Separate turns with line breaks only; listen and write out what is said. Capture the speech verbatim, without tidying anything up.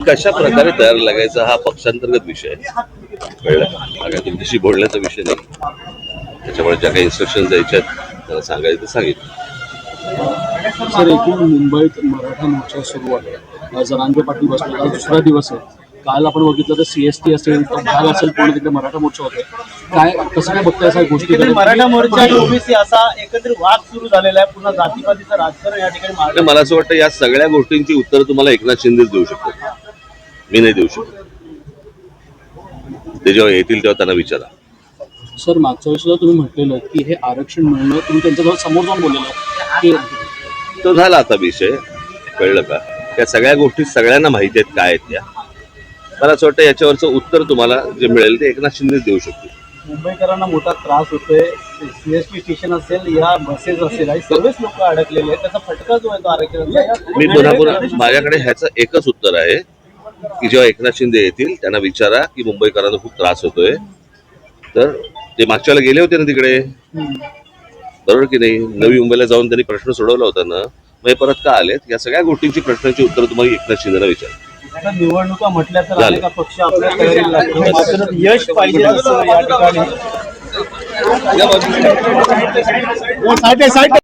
कशा प्रकारे तयार लागायचा हा पक्षांतर्गत विषय आहे. कळलं का? हा काय तुमच्याशी बोलण्याचा विषय नाही. त्याच्यामुळे ज्या काही इन्स्ट्रक्शन द्यायच्या त्याला सांगायचं सांगितलं.
सर, एकूण मुंबईत मराठा मोर्चा सुरू आहे. जरांगे पाटील बसले, आज दुसरा दिवस आहे. काल आपण बघितलं तर सीएसटी असेल, भाग असेल, पूर्ण तिकडे मराठा मोर्चा होते. काय कसं काय बघताय अशा गोष्टी?
मराठा मोर्चा आणि ओबीसी असा एकत्रित वाद सुरू झालेला आहे. पुन्हा जातीपातीचं राजकारण या ठिकाणी.
मला असं वाटतं या सगळ्या गोष्टींची उत्तर तुम्हाला एकनाथ शिंदेच देऊ शकतात, मी नाही देऊ शकत. ते जेव्हा येतील तेव्हा त्यांना विचारा.
सर, मागच्या वेळेस सुद्धा तुम्ही म्हटलेलं की हे आरक्षण मिळणं, तुम्ही त्यांच्याजवळ समोर जाऊन बोललेलं की
तो झाला आता विषय. कळलं का? त्या सगळ्या गोष्टी सगळ्यांना माहिती आहेत काय आहेत त्या. मला असं वाटतं याच्यावरचं उत्तर तुम्हाला जे मिळेल ते एकनाथ शिंदेच देऊ शकतील.
मुंबईकरांना मोठा त्रास होतोय. सीएसटी स्टेशन असेल या बसेस असेल आणि सर्वच लोक अडकलेले आहेत. त्याचा फटका जो आहे तो आरक्षणाचा.
मी पुन्हा पुन्हा माझ्याकडे ह्याचं एकच उत्तर आहे की जेव्हा एकनाथ शिंदे येतील त्यांना विचारा की मुंबईकरांना खूप त्रास होतोय. तर ते मागच्या वेळेला गेले होते ना तिकडे, बरोबर की नाही? नवी मुंबईला जाऊन त्यांनी प्रश्न सोडवला होता ना, मग हे परत का आलेत? या सगळ्या गोष्टींची प्रश्नांची उत्तर तुम्हाला एकनाथ शिंदेला विचारा.
निवडणुका म्हटल्या तर अनेक पक्ष आपल्या तयारीला लागतो. मात्र यश पाहिजे असं या ठिकाणी